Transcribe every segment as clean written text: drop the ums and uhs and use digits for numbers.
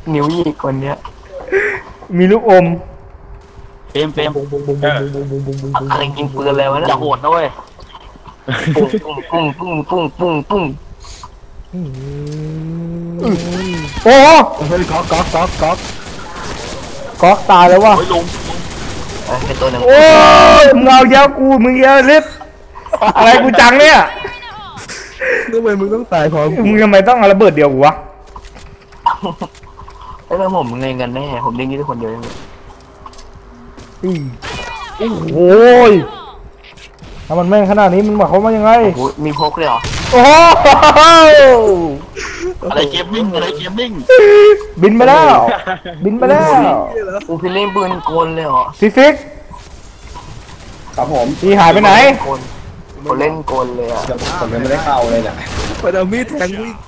นิ้วหยิกคนเนี้ยมีลูกอมเปรมอะไรกินปืนเลยวะเนี่ยอย่าโหดนะเว้ยปุ้งปุ้งปุ้งปุ้งปุ้งปุ้งโอ้เฮ้ยก๊อกตายแล้ววะเฮ้ยลุงเป็นตัวหนึ่งโอ้ยมึงเอาเยอะกูมึงเยอะลิฟอะไรกูจังเนี่ยทำไมมึงต้องตายพร้อมมึงทำไมต้องเอาระเบิดเดียวกูวะไอ้เรื่องผมเล่นกันแน่ผมเล่นยี่ทุกคนเดียวเลยโอ้ยถ้ามันแม่งขนาดนี้มึงหมายความว่ายังไงมีพกเลยเหรอโอ้อะไรเกมมิ่งบินไปแล้วพี่เล่นปืนโกนเลยเหรอพี่ฟิกครับผมพี่หายไปไหนผมเล่นโกนเลยอ่ะผมยังไม่ได้เข้าเลยเนี่ยไปเอามีดแทงวิ่ง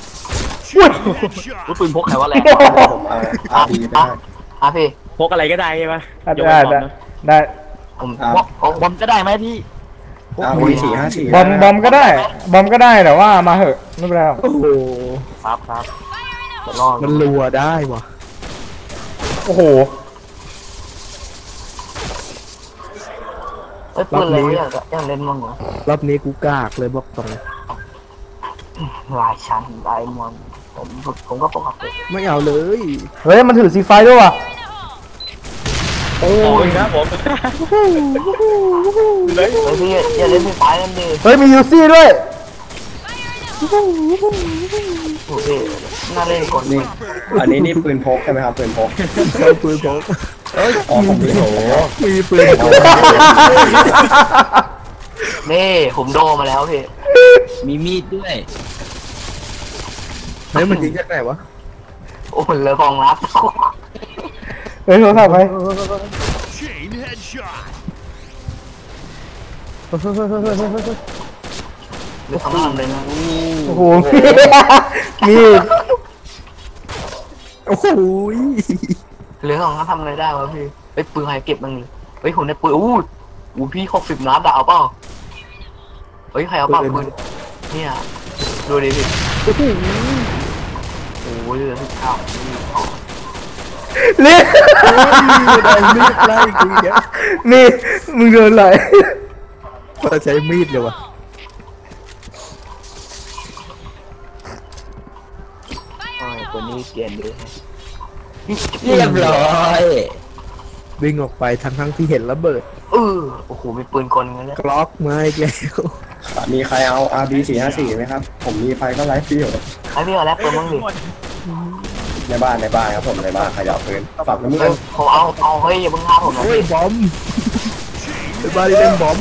ปืนพกใครวะแรงผมอาดีไปพี่พกอะไรก็ได้ใช่ไหมได้ผมบอมก็ได้ไหมพี่ 454 บอมก็ได้แต่ว่ามาเหอะไม่เป็นไรโอ้โหครับมันรัวได้วะโอ้โหปืนอะไรยังเล่นมั้งเหรอรอบนี้กูกากเลยบอกตรงลายชั้นลายมอนผมก็ปกติไม่เอาเลยเฮ้ยมันถือซีไฟด้วยว่ะโอ้ยครับผมพี่อย่าเล่นซีไฟกันดิเฮ้ยมียูซี่ด้วยโอเคน่าเล่นก่อนนี่อันนี้ปืนพกใช่ไหมครับปืนพกเอ้ยอ๋อผมมีปืนนี่ผมโดมาแล้วพี่มีมีดด้วยเฮ้ยมันยิงจากไหนวะโอ้โหเลยกองรับเฮ้ยโทรศัพท์ไปหรือทำอะไรนะโอ้โหมีโอ้โหหรือของเขาทำอะไรได้วะพี่ไอ้ปืนใครเก็บบ้างเลยเฮ้ยผมได้ปืนอู้พี่60 นัดเอาเปล่าเฮ้ยใครเอาเปล่าปืนเนี่ยดูดิพี่โอ้ยเหลือ19 เลี้ยมีดไล่กูแกนี่มึงเดินไหลมาใช้มีดเลยวะตัวนี้เปลี่ยนเลยเรียบร้อยวิ่งออกไปทั้งที่เห็นระเบิดโอ้โหมีปืนกลกันแล้วกล็อกมาอีกแล้วมีใครเอา RB454 ไหมครับผมมีไฟก็ไลฟ์ฟิวไอ้พี่เอาแล้วปืนมั้งดิในบ้านครับผมในบ้านขยับปืนฝากน้ำมือผมเอาเฮ้ยอย่าเพิ่งฆ่าผมนะเฮ้ยบอมในบ้านเล่นบอม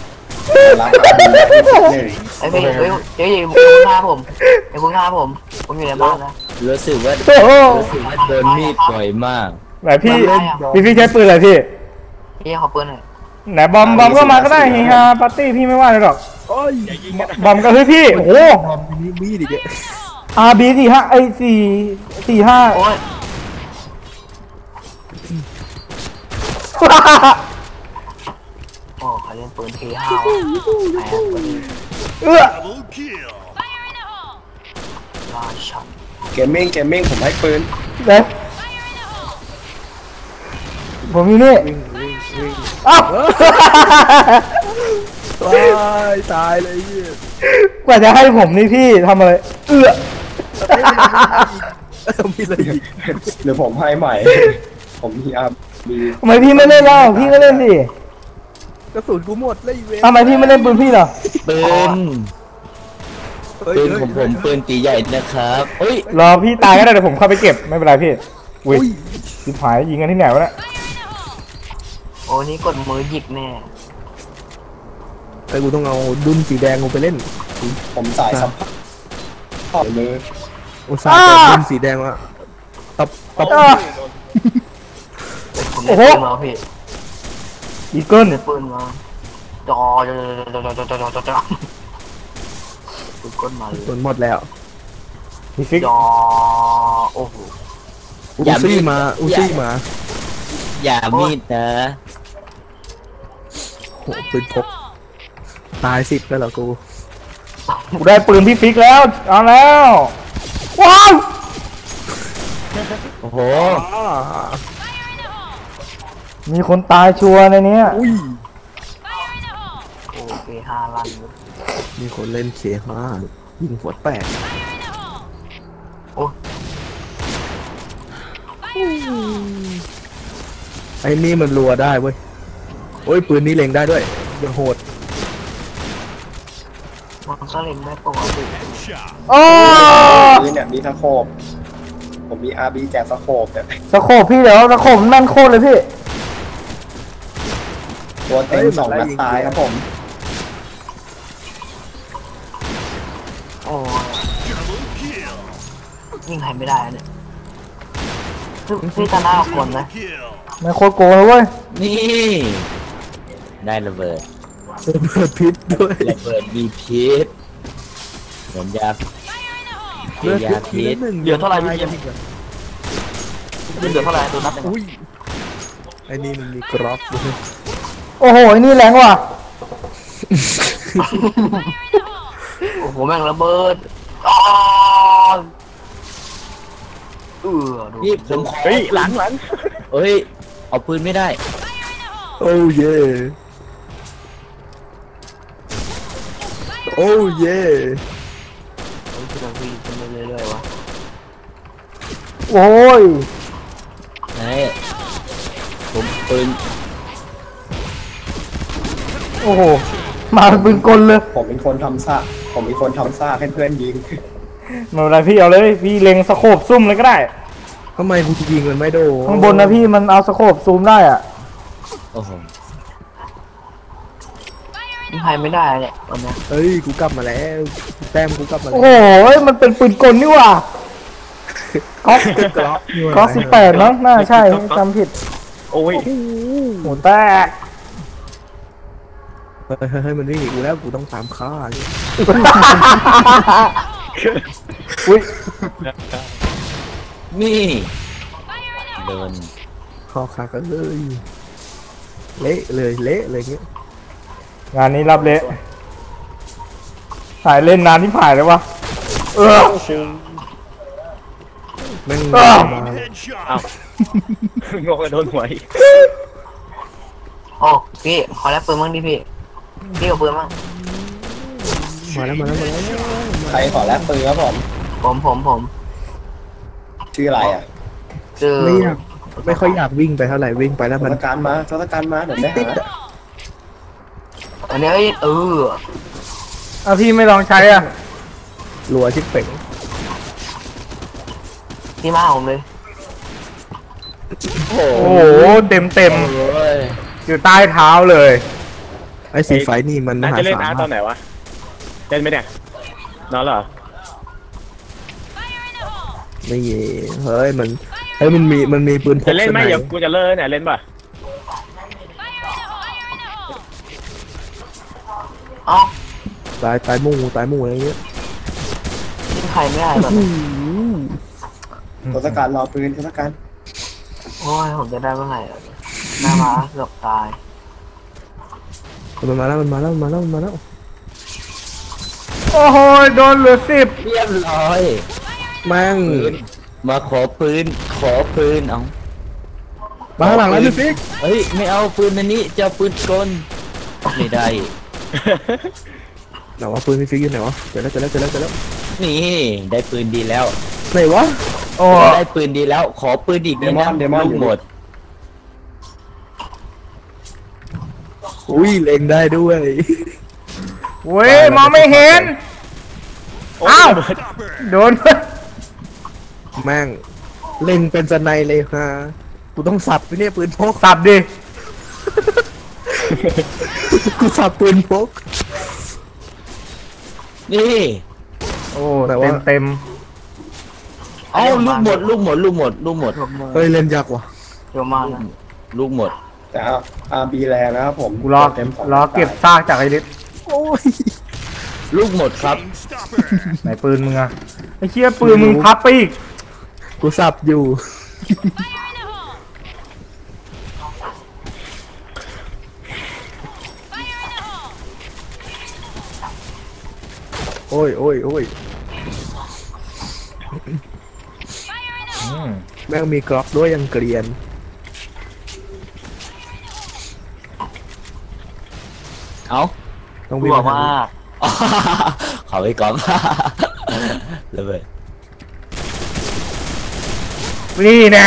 ไอ้พี่เฮ้ยอย่าเพิ่งฆ่าผมอยู่ในบ้านนะรู้สึกว่าโดนมีดบ่อยมากไหนพี่ใช้ปืนอะไรพี่ขอปืนหน่อยไหนบอมก็มาก็ได้เฮียปาร์ตี้พี่ไม่ว่าเลยหรอกบอมก็เฮ้ยพี่โอ้โหบอมมีมีดอีกอ่ะ RB45ไอ้445 โอ้ยโอ้ใครเล่นปืนP5ราชันเกมมิ่งผมให้ปืนเด้ผมมีนี่อ้าวตายเลยกว่าจะให้ผมนี่พี่ทำอะไรมีอะไรอีกเดี๋ยวผมให้ใหม่ผมมีทำไมพี่ไม่เล่นแล้วพี่ก็เล่นสิกระสุนกูหมดเลยเว้ยทำไมพี่ไม่เล่นปืนพี่เหรอปืนผมปืนตีใหญ่นะครับเฮ้ยรอพี่ตายก็ได้เดี๋ยวผมเข้าไปเก็บไม่เป็นไรพี่อุ้ยสิบหายยิงกันที่ไหนวะเนี่ยโอ้นี่กดมือหยิกแน่ไอ้กูต้องเอาดุนสีแดงกูไปเล่นผมสายซับขอมืออุตส่าห์ดุนสีแดงวะตับโอ้โหพี่อีเกิลปืนมาจอปืนก้นมาเลยปืนหมดแล้วจอโอ้โหอุซี่มาอย่ามีดนะโหปืนพกตาย10แล้วเหรอกูได้ปืนพี่ฟิกแล้วเอาแล้วว้าวโอ้โหมีคนตายชัวร์ในเนี้ยอุ้ยโอเค5 ลันเลยมีคนเล่นเคห้ายิงหัวแตกโอ้ไอ้นี่มันรัวได้เว้ยโอ้ยปืนนี้เล็งได้ด้วยยังโหดมันก็เล่นได้ปกติโอ้นี่เนี่ยมีสโคปผมมี RB แจกสโคปเนี่ยสโคปพี่เดี๋ยวสโคปมันแม่นโคตรเลยพี่ตัวเต็ง2 นัดตายครับผมโอ้ยิงใครไม่ได้เนี่ยพี่ตาหน้าคนนะแม่งโคตรโกงเลยเว้ยนี่ ได้ระเบิดระเบิดพิษด้วยระเบิดมีพิษเหมือนยาเกียาพิษเหลือเท่าไหร่พี่เกมเหลือเท่าไหร่ตัวนับหนึ่งอุ้ยไอ้นี่มันมีกรอบด้วยโอ้โหไอ้นี่แรงว่ะโอ้โหแม่งระเบิดอ๋อดูนี่ผมขอเฮ้ยหลังเฮ้ย เอาปืนไม่ได้โอ้เย่โอ้เย่เฮ้ยคือเราวิ่งขึ้นไปเรื่อยๆวะโอ้ยไหนผมปืนโอ้โหมาเป็นปืนกลเลยผมเป็นคนทำซากให้เพื่อนยิงไม่เป็นไรพี่เอาเลยพี่เล็งสโคปซุ่มเลยก็ได้ทำไมกูยิงมันไม่โดนข้างบนนะพี่มันเอาสโคปซูมได้อ่ะโอ้โหยิงใครไม่ได้เนี่ยตอนเนี้ยเฮ้ยกูกลับมาแล้วแต้มกูกลับมาโอ้แล้วโหมันเป็นปืนกลนี่ว่ะก๊อกกรอบก๊อก18มั้งน่าใช่จำผิดโอ้ยหัวแตกเฮ้ยมันวิ่งอีกกูแล้วกูต้องตามฆ่าเลยอุ้ยนี่เดินข้อขากันเลยเละเลยเงี้ยงานนี้รับเละถ่ายเล่นนานที่ผ่านเลยวะเออแม่งอ้าวมางงโดนหัวอีกโอ้พี่ขอแลกปืนมั่งดิพี่พี่เอาปืนมั่งแล้วใครขอแลกปืนครับผมผมชื่ออะไรอ่ะเจอไม่ค่อยอยากวิ่งไปเท่าไหร่วิ่งไปแล้วทมันศกัณฐ์มาเดี๋ยวได้หาอันนี้เออเอาพี่ไม่ลองใช้อ่ะรัวชิบเป่งที่มาผมเลยโอ้โอ้โหเต็มโอ้ยอยู่ใต้เท้าเลยไอ้สีไฟนี่มันน่าจะเล่นอาร์ตตอนไหนไหนวะ เล่นไหมเนี่ยนอนเหรอไม่เย่เฮ้ยมันมีปืนพกจะเล่นไหมสเดี๋ยวกูจะเลิกเนี่ยเล่นป่ะเอ้าตายหมู่อะไรเงี้ยยิงใครไม่ได้แบบทศกัณฐ์รอปืนทศกัณฐ์โอ้ยผมจะได้เมื่อไหร่อะหน้ามาเกือบตายมันมาแล้วโอ้โหโดนเหลือ10 เรียบร้อยแม่งปืนมาขอปืนเอามาข้างหลังแล้วพี่ฟิกเฮ้ยไม่เอาปืนอันนี้จะเอาปืนกลไม่ได้ไหนวะปืนพี่ฟิกอยู่ไหนวะเจอแล้วนี่ได้ปืนดีแล้วไหนวะโอ้ได้ปืนดีแล้ว ขอปืนอีกนิดนะลูกหมดอุ้ยเล็งได้ด้วยเว้ยมองไม่เห็นอ้าวโดนแม่งเล็งเป็นสไนเลยฮะกูต้องสับไปเนี่ยปืนพกสับดิกูสับปืนพกนี่โอ้เต็มเอาลูกหมดรวมมือเฮ้ยเล่นยากว่ะเยอะมากนะลูกหมดแต่RB แรงนะครับผมกูรอเต็ม2 รอเก็บซากจากไอ้ลิศโอ้ยลูกหมดครับไหนปืนมึงอะไอ้เชี่ยปืนมึงพับไปอีกกูสับอยู่โอ้ยแม่งมีกรอกด้วยยังเกรียนเอ้าต้องกวิ่งลัวมาทางมานี้กเขาไปก่อนเลยเว้ยนี่นะ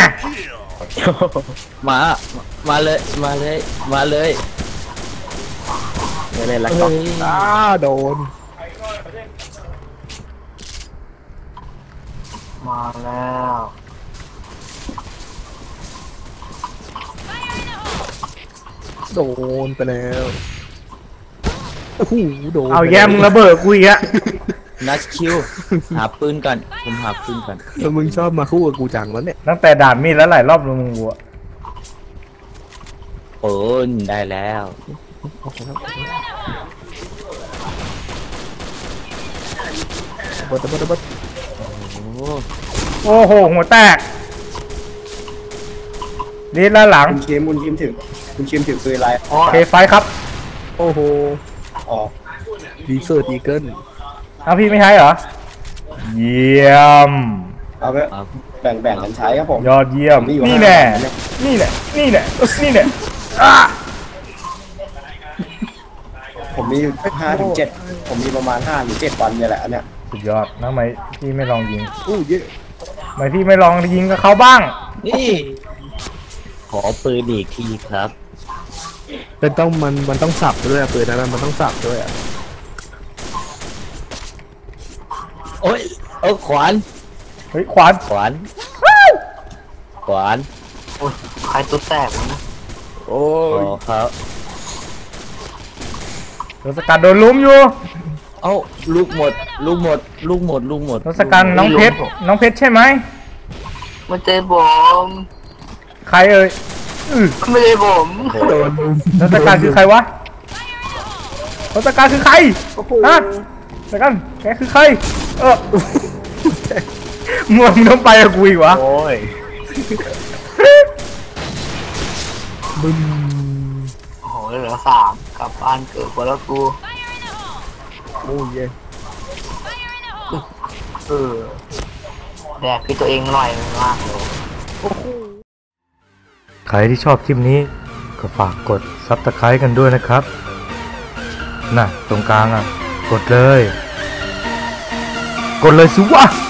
มาเลยมาเลยมาเลยไม่เล่นแล้วเฮ้ก็ยโดนมาแล้วโดนไปแล้วโอ้โหโดนเอาแย่มึงระเบิดกูอีกอะนัชคิวหาปืนก่อนผมหาปืนก่อนแล้วมึงชอบมาคู่กับกูจังแล้วเนี่ยตั้งแต่ด่านมีดแล้วหลายรอบแล้วมึงกูอะปืนได้แล้วเบิดเบิดเบิดโอ้โอ้โหหัวแตกดีด้านหลังคุณคิมถือปืนอะไรโอ้เคไฟครับโอ้โหอ๋อดีเซอร์อีเกิลเอาพี่ไม่ใช้เหรอ เยี่ยมเอาไปเอาแบ่งกันใช้ครับผมยอดเยี่ยมผมมีอยู่นี่ห้าแน่อันเนี่ยนี่แน่นี่แน่นี่แน่อ่ะผมมีอยู่5 ถึง 7ผมมีประมาณ5 หรือ 7 วันเนี่ยแหละอันเนี้ยสุดยอดนะทำไมพี่ไม่ลองยิงอู้เยอะทำไมพี่ไม่ลองยิงกับเขาบ้างนี่ขอปืนอีกทีครับเป็นต้องมันต้องสับด้วยอะปืนนั้นมันต้องสับด้วยอะโอ้ยเอาขวานเฮ้ยขวานขวานขวานโอ้ยใครตัวแตกวะนะโอ้ขยอครับรถสกัดโดนลุ้มอยู่เอ้าลูกหมดลูกหมดลูกหมดลูกหมดรถสกัดน้องเพชรน้องเพชรใช่ไหมไม่ใช่ผมใครเอ่ยไม่ใช่ผมโดนลุมรถสกัดคือใครวะรถสกัดคือใครฮะสกัดแกคือใครมึงต้องไปกับกูอีกวะโอ้ยบึ้มโอ้โหเหลือ3กลับบ้านเกิดคนละกูโอ้ยเย่แดกคือตัวเองหน่อยมากเลยใครที่ชอบคลิปนี้ก็ฝากกด Subscribe กันด้วยนะครับน่ะตรงกลางอ่ะกดเลยสิวะ